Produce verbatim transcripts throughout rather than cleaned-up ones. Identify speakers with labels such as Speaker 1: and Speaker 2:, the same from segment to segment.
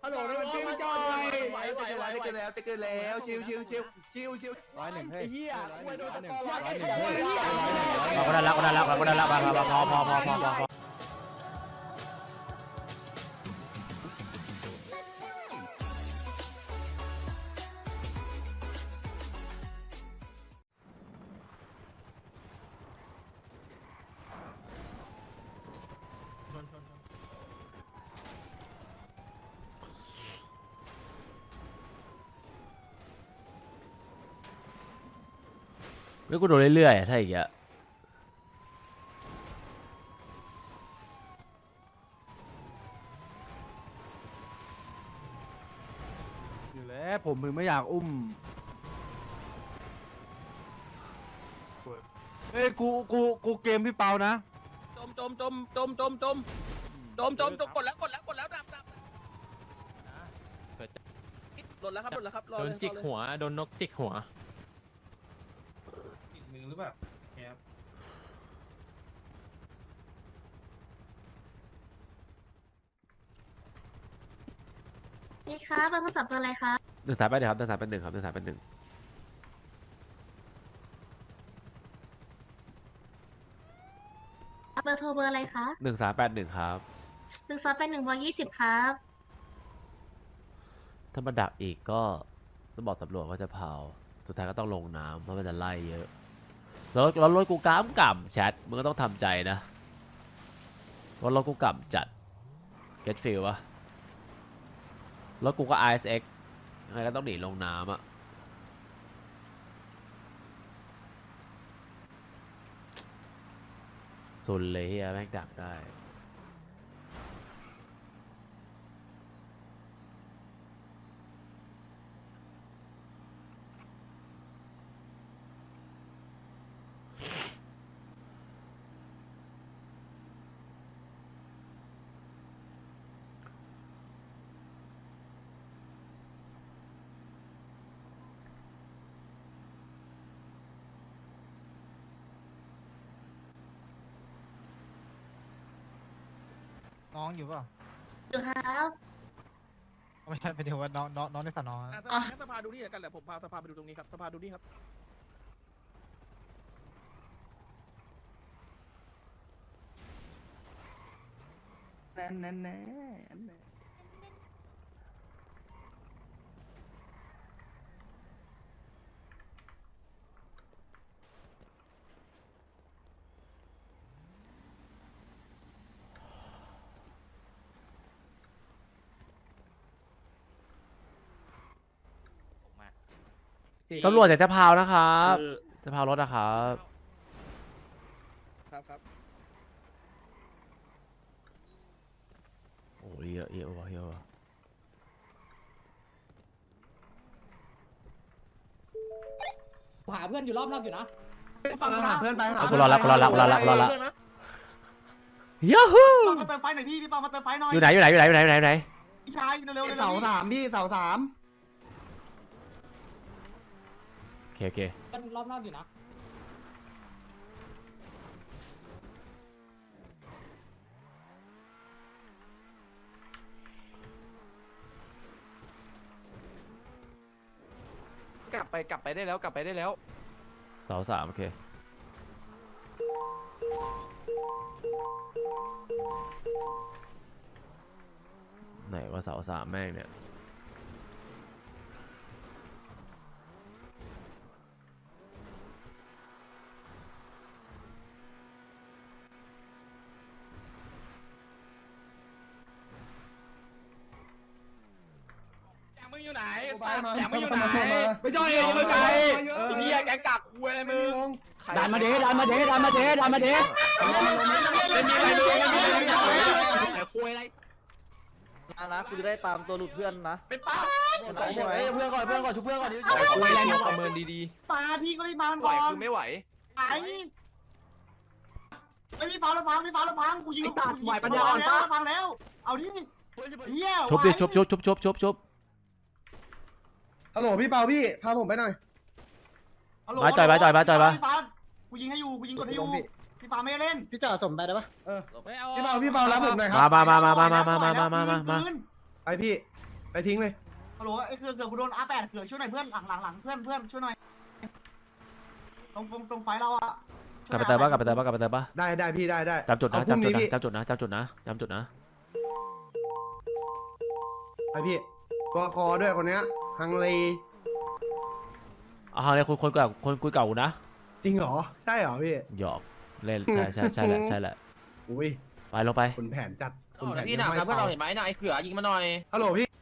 Speaker 1: ฮัลโหลน้องชิวจอยไหวไหวไหวจะเกินแล้วจะเกินแล้วชิวชิวชิวชิวชิวร้อยหนึ่งเฮ้ยไอ้เหี้ยคุยโดนตะกอนร้อยหนึ่งเฮ้ยเราก็ได้แล้วก็ได้แล้วก็ได้แล้วพอพอพอพอพอพอไม่กูโดนเรื่อยๆถ้าอย่างเงี้ย
Speaker 2: อยู่แล้วผมมึงไม่อยากอุ้มเฮ้ยกูกูกูเกมพี่เปานะ
Speaker 3: จมจมจมจมจมจมจมจมจมกดแล้วกดแล้วกดแล้วดับดับหล่นแล้วครับหล่นแล้วครับโดนจิกหัวโดนนกจิกหัวจิกมือหรือเปล่าครับ
Speaker 4: นี่ครับเบอร์โทรศัพท์เบอร์อะไรครับ
Speaker 1: หนึ่งสายไปหนึ่งครับหนึ่งสายไปหนึ่งครับหนึ่งสายไปหนึ่ง
Speaker 4: เบอร์โทรเบอร์อะไรคะ
Speaker 1: หนึ่งสามแปดหนึ่งครับ
Speaker 4: หนึ่งสองแปดหนึ่งเบอร์ยี่สิบครับ
Speaker 1: ถ้ามาดักอีกก็ต้องบอกตำรวจว่าจะเผาสุดท้ายก็ต้องลงน้ำเพราะมันจะไล่เยอะแล้วแล้วรถกูก้ามก่ำแชทมึงก็ต้องทำใจนะว่ารถกูก่ำจัด get feel วะรถกูก็ ไอ เอส เอ็กซ์ ยังไงก็ต้องหนีลงน้ำอะสุดเลยเฮียแม่งดักได้
Speaker 5: น้องอยู่เปล่า
Speaker 4: อยู่ครับ
Speaker 5: ไม่ใช่ไปเดี๋ยวว่าน้องน้องน้องในสนอ
Speaker 3: อ่ะสภาดูนี่กันแหละผมพาสภาไปดูตรงนี้ครับสภาดูนี่ครับแน่แน่แน่
Speaker 1: ตำรวจจะจะพาวนะครับจะพาวรถนะครับ
Speaker 3: ครับครับ
Speaker 1: โอ้ยเยอะเยอะวะเยอะวะ
Speaker 6: หาเพื่อนอยู่รอบนอกอยู่นะ
Speaker 5: ฟังหาเพื่อนไป
Speaker 1: เอากูรอละกูรอละกูรอละกูรอละยูฮู
Speaker 5: มาเติมไฟหน่อยพี่พี่ปามาเติมไฟหน่อย
Speaker 1: อยู่ไหนอยู่ไหนอยู่ไหนอยู่ไหนอยู่ไหนอยู่ไหน
Speaker 5: พี่ชายเร็วๆเสาสามพี่เสาสาม
Speaker 1: โอเคโอเค
Speaker 6: เพื่อนรอบนอกอยู่นะ
Speaker 3: กลับไปกลับไปได้แล้วกลับไปได้แล้ว
Speaker 1: เสาสามโอเคไหนว่าเสาสามแม่งเนี่ย
Speaker 3: มึงอยู่ไหนแย่มึงอยู่ไหน
Speaker 5: ไม่ใช่ไม่ใช่
Speaker 3: เฮียแกกักคุยอะไรมึง
Speaker 2: ดันมาเดดันมาเดดันมาเดดันมาเด
Speaker 3: ไม่มีอะไรเลยไม่มีอะไรเลยคุยอะไร
Speaker 5: นะนะกูจะได้ตามตัวหลุดเพื่อนนะ
Speaker 3: เป็นป้า
Speaker 5: เฮ้ยเพื่อนก่อนเพื่อนก่อนชุบเพื่อนก่อนดิ
Speaker 3: คุยอะไรมึงประเมินดี
Speaker 5: ปาพี่ก็รีบมา
Speaker 3: ๆไหว
Speaker 5: ก่อน
Speaker 3: คือไม่ไหว
Speaker 5: ไอ้ไอ้พี่ฟ้าละพังพี่ฟ้าละพังกูยิงพังแล้วเอาดิเฮีย
Speaker 1: ชุบดิชุบชุบชุบชุบชุบชุบ
Speaker 7: ฮัลโหลพี่เปาพี่พาผมไปหน่อย
Speaker 1: มาจ่อยมาจ่อยมาจ่อยมา
Speaker 5: พี่ฟ้ากูยิงให้อยู่กูยิงกดให้อยู่พี่ฟ้าไม่เล่น
Speaker 7: พี่จ่าสมไปได้ปะเออ
Speaker 3: ไม่เอา
Speaker 7: พี่เปาพี่เปารับผมหน่อยครั
Speaker 1: มามามามามามามามามามามา
Speaker 7: ไอพี่ไปทิ้งเลย
Speaker 5: ฮัลโหลไอ้เขื่อนเขื่อนกูโดนอาแปดเขื่อนช่วยหน่อยเพื่อนหลังหลังหลังเพื่อนเพื่อนช่วยหน่อยตรงตรงตรงไฟเราอะ
Speaker 1: กลับไปเติมปะกลับไปเติมปะกลับไปเติมปะ
Speaker 7: ได้ได้พี่ได้ได้
Speaker 1: จำจุดนะ
Speaker 7: เอาพรุ่ง
Speaker 1: จำจุด
Speaker 7: นี้
Speaker 1: นะ
Speaker 7: พี่
Speaker 1: จำจุดนะจำจุดนะจำจุดนะ
Speaker 7: ไปพี่ตัวคอด้วยคนเนี้ยฮังเล
Speaker 1: เอาเลยคนคนเก่าคนคุยเก่ากูนะ
Speaker 7: จริงเหรอใช่เหรอพี่
Speaker 1: หยอกเล่นใช่ใช่ใช่แหละใช่แหละ
Speaker 7: อุ้ย
Speaker 1: ไปลงไป
Speaker 7: คุณแผนจัดคุณแผน
Speaker 3: พี่หนักนะเพื่อนเราเห็นไหมนายเขือยิงมาหน่อย
Speaker 7: ฮัลโหลพี่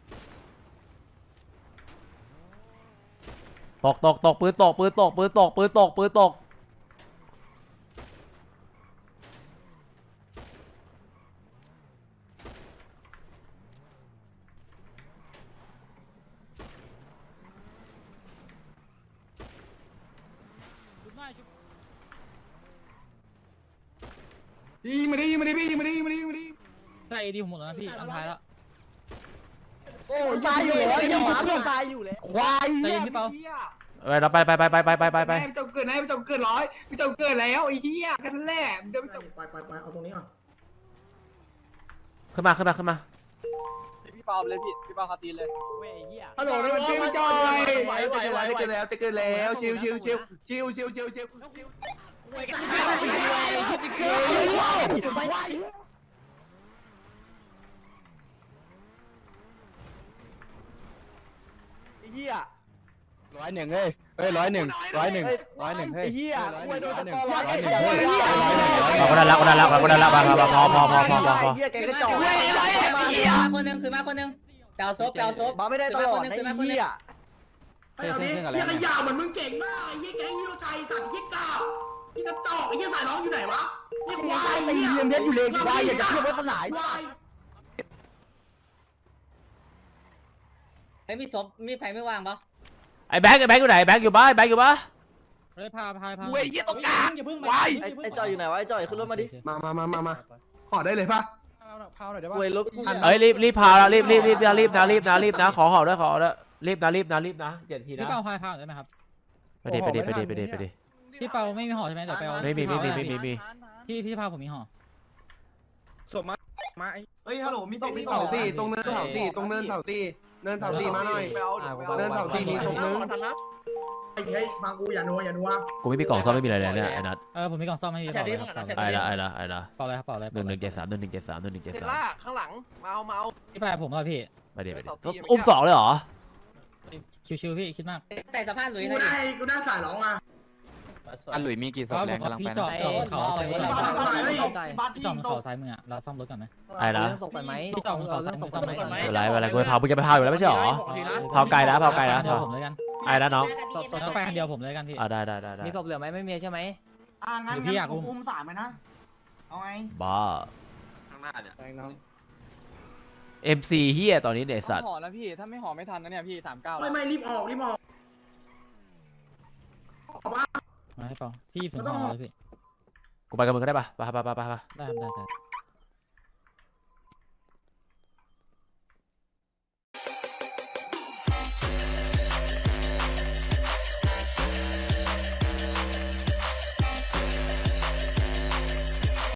Speaker 1: ตกตกตกปืนตกปืนตกปืนตกปืนตกปืนตกยิงมาดิยิงมาดิพี่ยิงมาดิยิงมาดิยิงมาดิ
Speaker 6: ใช่ดีผมหมดแล้วนะพี่อันท้ายแล้ว
Speaker 2: โอ้ยตายอยู่แล้วยังชุบเพื่อนตายอยู่แล้วควาย
Speaker 6: ใจเย็นพี่เปา
Speaker 1: เอ้ยเราไปไปไปไปไปไปไปไป
Speaker 8: ไม่ต้องเกินนะไม่ต้องเกินร้อยไม่ต้องเกินแล้วไอ้เหี้ยกันแหละเดี๋ยวไม่ต้อง
Speaker 5: ไปไปไปเอาตรงนี้ก่อน
Speaker 1: ขึ้นมาขึ้นมาขึ้นมา
Speaker 2: พี่เปาเลยพี่พี่เปาคาตีนเลย
Speaker 8: ฮัลโหลนี่มันชื่อจอย
Speaker 3: ไหวไหวไหว
Speaker 7: จะเกินแล้วจะเกินแล้วชิวชิวชิวชิวชิวชิวชิว
Speaker 2: ไอ้เหี้ยร้อยหนึ่งเฮ้ยเฮ้ยร้อยหนึ่งร้อยหนึ่งร้อยหนึ่งเฮ้ยไอ้เหี้ยกูโดนตะกอร้อยหนึ่งร้อยหนึ่ง
Speaker 1: เอาคนนั้นละคนนั้นละคนนั้นละพอพอพอพอพอพอพอ
Speaker 2: เหี้ยแกกระจอก
Speaker 9: มาคนหนึ่งคือมาคนหนึ่งเปล่าซบเปล่าซบ
Speaker 2: มาไม่ได้ตลอดไอ้เหี้ย
Speaker 5: ไอ้เอาดิเฮียขยะเหมือนมึงเก่งมากไอ้เฮียแก๊งฮิโรชัยสัตว์เฮียก้าวนี่กระจอกไอ้เฮียสายน้องอยู่ไหนวะนี่ควาย
Speaker 2: ไอ้เหี้ยเม็ดอยู่เลยควายอยากจะเทียบไว้สลาย
Speaker 5: ควาย
Speaker 9: ไอ้มีซบมีไฟไม่ว่างปะ
Speaker 1: ไอ้แบงค์ไอ้แบงค์อยู่ไหนแบงค์อยู่บ้านแบงค์อยู่บ้าน
Speaker 6: เฮ้ยพาพาพา
Speaker 3: เว้ยยี่ตกกลาง
Speaker 6: อย่าเพิ่ง
Speaker 3: วาย
Speaker 2: ไอ้ไอ้จอยอยู่ไหนวะไอ้จอยขึ้นรถมาดิ
Speaker 7: มามามามามาห่อได้เลยป่ะ
Speaker 2: พาวหน่อยได้ป่ะ
Speaker 7: เว้ยรถ
Speaker 1: เอ้ยรีบรีบพาแล้วรีบรีบรีบนะรีบนะรีบนะรีบนะขอห่อด้วยขอด้วยรีบนะรีบนะรีบนะเจ็ดทีนะ
Speaker 6: พี่เปาพาพาได้ไหมครับ
Speaker 1: ไปดิไปดิไปดิไปดิไปดิ
Speaker 6: พี่เปาไม่มีห่อใช่ไหมเดี๋ยวไปเอา
Speaker 1: ไม่มีไม่มีไม่มีไม่มี
Speaker 6: พี่พี่พาผมมีห่อ
Speaker 3: สมมามาไอ้
Speaker 5: เฮ้ยฮัลโหลมี
Speaker 7: ต
Speaker 5: สิ
Speaker 7: รง
Speaker 5: มี
Speaker 7: เสาสี่ตรงเนินเสาสี่ตรงเนินเสาสี่เนินเสาสี่มาหน่อยเนินเสาสี่มีตรงนึง
Speaker 5: ไอ้เฮ้ยฟังกูอย่านัวอย่านัว
Speaker 1: กูไม่มีกล่องซ่อมไม่มีอะไรเลยเนี่ยไอ้นัท
Speaker 6: เออผมมีกล่องซ่อมให้พี่เปาเลยครับ
Speaker 1: ไอ้ละไอ้ละไอ้ละ
Speaker 6: เปาเลยครับเปาเลย
Speaker 1: หนึ่งหนึ่งเจ็ดสามหนึ่งหนึ่งเจ็ดสามหนึ่งหนึ่งเจ็ด
Speaker 3: เท
Speaker 1: สาม
Speaker 3: ล่าข้างหลังมาเอามาเอา
Speaker 6: พี่ไปผมแล้วพี่
Speaker 1: ไปดิไปดิอุ้มสองเลยเหรอ
Speaker 6: ชิวๆพี่คิดมาก
Speaker 9: แต่สภาพหลุย
Speaker 5: กู
Speaker 9: หน่อย
Speaker 5: ได้กูได้สายร้องมา
Speaker 2: อันหลุยมีกี่ศพแรงกำลัง
Speaker 6: พี่
Speaker 2: ไป
Speaker 6: จอดจอดบนเขาซ้ายมือ
Speaker 5: บ้านบ้านเฮ้ยบ้าน
Speaker 6: พี่
Speaker 5: พี่
Speaker 6: จอดบน
Speaker 5: ต
Speaker 6: เขา
Speaker 5: ก
Speaker 6: ซ้ายมืออะเราซ่อมรถก่อนไหม
Speaker 1: ไอ้ละ
Speaker 6: พี่จอดบนเขาซ้ายมือซ่อมรถก่อนไหม
Speaker 1: ไม่เป็นไรไม่เป็นไรกูไปพากูจะไปพาอยู่แล้วไม่ใช่เหรอ เผาไก่แล้วเผาไก่แล้ว
Speaker 6: เดียวผมเลยกัน
Speaker 1: ไอ้ละน้อง
Speaker 6: แล้วไปคันเดียวผมเลยกันพี่
Speaker 1: อ่าได้ได้ได้ได้
Speaker 9: มีศพเหลือไหมไม่มีใช่ไหม
Speaker 5: อ่างั้น
Speaker 6: หรือพี่อยากอุ้
Speaker 5: งั้น
Speaker 6: ม
Speaker 5: อุ้มสามไหมนะเอาไง
Speaker 1: บ้า
Speaker 3: ข้างหน้าเนี่ย
Speaker 1: เอ็มซีเฮียตอนนี้เนี่ยสัตว์
Speaker 2: ห่อนะพี่ถ้าไม่ห่อไม่ทันนะเนี่ยพี่สามเก้า
Speaker 5: ไม่ไม่รีบออกรีบออก
Speaker 6: มาให้เปาพี่ผมห่อเลยพี่
Speaker 1: กูไปกับมึงก็ได้ปะไปไปไปไปไป
Speaker 6: ได้ครับได้ได้